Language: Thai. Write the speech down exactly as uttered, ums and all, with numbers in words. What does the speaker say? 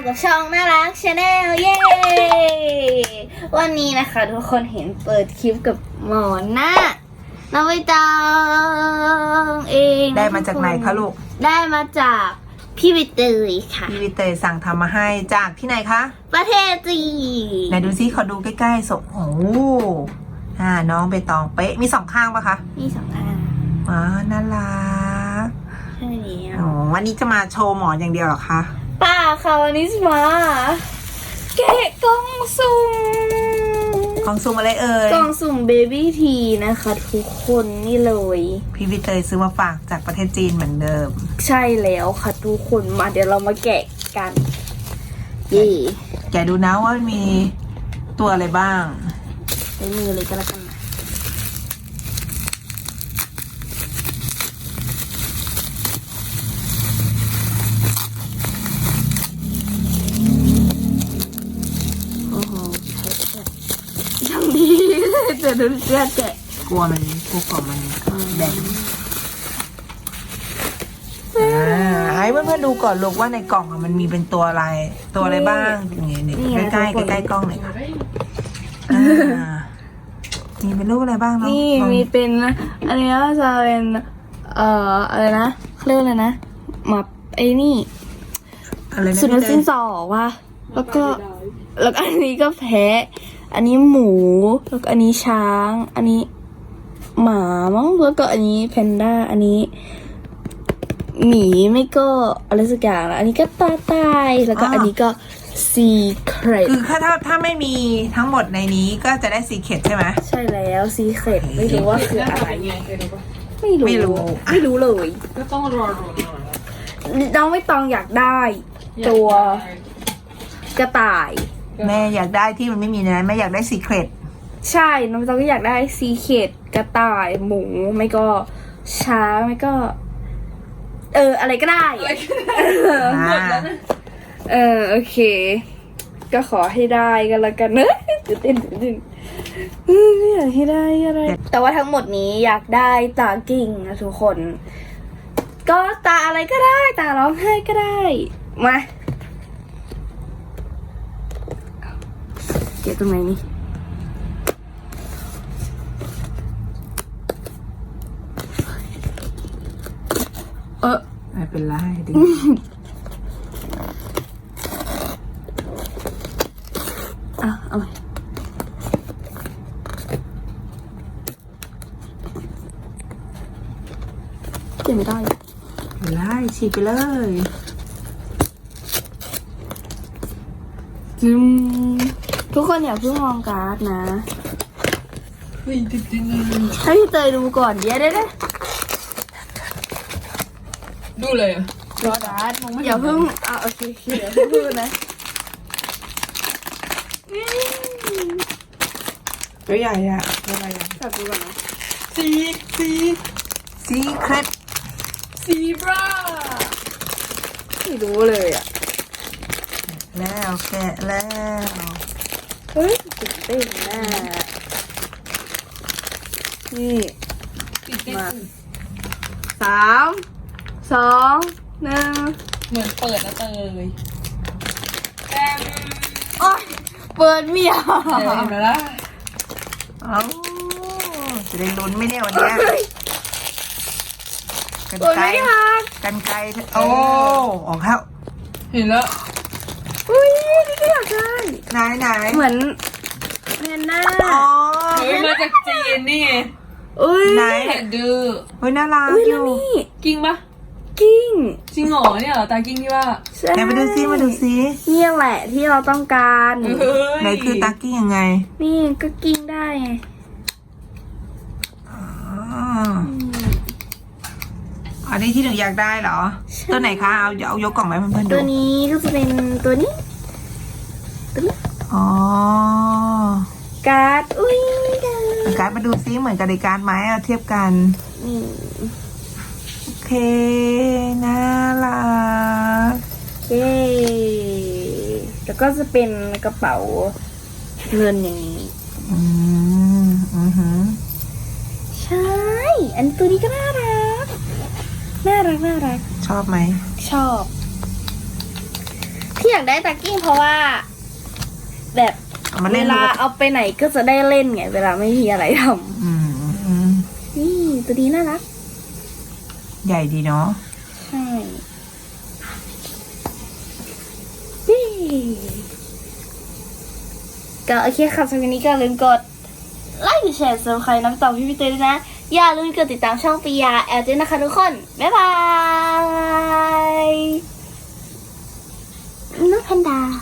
กับช่องน่ารักชาแนลเย้วันนี้นะคะทุกคนเห็นเปิดคลิปกับหมอนะน้องใบตองเองได้มาจากไหนคะลูกได้มาจากพี่ใบเตยค่ะพี่ใบเตยสั่งทำมาให้จากที่ไหนคะประเทศจีนไหนดูซิขอดูใกล้ๆสโอ้อ่าน้องใบตองเป๊ะมีสองข้างปะคะมีสองข้างอ๋อน่ารักใช่แล้วอ๋อวันนี้จะมาโชว์หมอนอย่างเดียวหรอคะป้าค่ะวันนี้จะมาแกะกล่องสุ่มกล่องสุ่มอะไรเอ่ยกล่องสุ่มเบบี้ทีนะคะทุกคนนี่เลยพี่ใบเตยซื้อมาฝากจากประเทศจีนเหมือนเดิมใช่แล้วค่ะทุกคนมาเดี๋ยวเรามาแกะกันเย่แกะดูนะว่ามีตัวอะไรบ้างใช้มือเลยก็แล้วกันนะโอ้โหทำดีจะดูเสื้อแกะกลัวมันกลัวกล่องมันแดงอ่าให้เพื่อนๆดูก่อนลูกว่าในกล่องมันมีเป็นตัวอะไรตัวอะไรบ้างอย่างเงี้ยนี่ใกล้ๆใกล้ๆกล้องหน่อยค่ะมีเป็นรูปอะไรบ้างเนาะนี่มีเป็นอันนี้ก็จะเป็นเอ่ออะไรนะเรียกอะไรนะหมับไอ้นี่สุนัขสิ้นสอว่ะแล้วก็แล้วอันนี้ก็แพะอันนี้หมูแล้วก็อันนี้ช้างอันนี้หมามั้งแล้วก็อันนี้แพนด้าอันนี้หมีไม่ก็อะไรสักอย่างแล้วอันนี้ก็ตาตายแล้วก็อันนี้ก็ซีเครตคือถ้าถ้าถ้าไม่มีทั้งหมดในนี้ก็จะได้ซีเครตใช่ไหมใช่แล้วซีเครตไม่รู้ว่าคืออะไรไม่รู้ไม่รู้ไม่รู้เลยก็ต้องรอรอน้องไม่ตองอยากได้ตัวกระต่ายแม่อยากได้ที่มันไม่มีนะแม่อยากได้ซีเครตใช่น้องตองก็อยากได้ซีเครตกระต่ายหมูไม่ก็ช้างไม่ก็เอออะไรก็ได้เออโอเคก็ขอให้ได้กันละกันเนอะตื่นเต้นตื่นเต้นอยากให้ได้อะไรแต่ว่าทั้งหมดนี้อยากได้ตากิ่งนะทุกคนก็ตาอะไรก็ได้ตาร้องไห้ก็ได้มาเก็บตรงไหนนี่เออไม่เป็นไรดิอ่ะเอาเก็บไม่ได้ไล่ฉีกไปเลยจิมทุกคนอย่าเพิ่งมองการ์ดนะให้พี่เตยดูก่อนเดี๋ยวได้ได้ดูเลยอ่ะรอการ์ดอย่าเพิ่งอ่ะโอเคเดี๋ยวเพิ่งดูนะตัวใหญ่อะตัวใหญ่อะจับดูก่อนนะซีซีซีเครตซีบราไม่รู้เลยอ่ะแล้วแกะแล้วเฮ้ยตื่นเต้นแน่นี่มาสามสองหนึ่งเหมือนเปิดแล้วเตยแอมโอ๊ยเปิดเมียเห็นไหมล่ะเอ้าจะได้ลุ้นไหมเนี่ยวันนี้กันไกลกันไกลโอ้ออกแล้วเห็นแล้วอุ้ยนี่ก็อยากได้ไหนไหนเหมือนเมียนหน้าอ๋อเฮ้ยมาจากจีนนี่อุ้ยไหนดูเฮ้ยน่ารักอยู่กิ้งปะกิ้งจริงเหรอเนี่ยเหรอตากิ้งที่ว่าไหนมาดูซิมาดูซินี่แหละที่เราต้องการไหนคือตากิ้งยังไงนี่ก็กิ้งได้ไงอันนี้ที่หนูอยากได้เหรอตัวไหนคะเอาเอายกกล่องไหมเพื่อนๆดูตัวนี้ก็จะเป็นตัวนี้ตัวนี้อ๋อการ์ดอุ้ยการ์ดมาดูซิเหมือนกับในการ์ดไหมเอาเทียบกันโอเคน่ารักเย้แล้วก็จะเป็นกระเป๋าเงินอย่างนี้อืมอือหือใช่อันตัวนี้ก็น่ารักน่ารักน่ารักชอบไหมชอบที่อยากได้ตะกิ้งเพราะว่า แบบเอามาเวเล่นลาเอาไปไหนก็จะได้เล่นไง เวลาไม่มีอะไรทอืมอืมำนี่ตัวนี้น่ารักใหญ่ดีเนาะใช่นี่ก็โอเคค่ะสำหรับวันนี้ก็อย่าลืมกดไลค์กดแชร์ซับสไครต์น้ำต่อพี่พี่เต้ด้วยนะ อย่าลืมกดติดตามช่องปียาแอลด้วยนะคะทุกคน บ๊ายบายน้องแพนด้า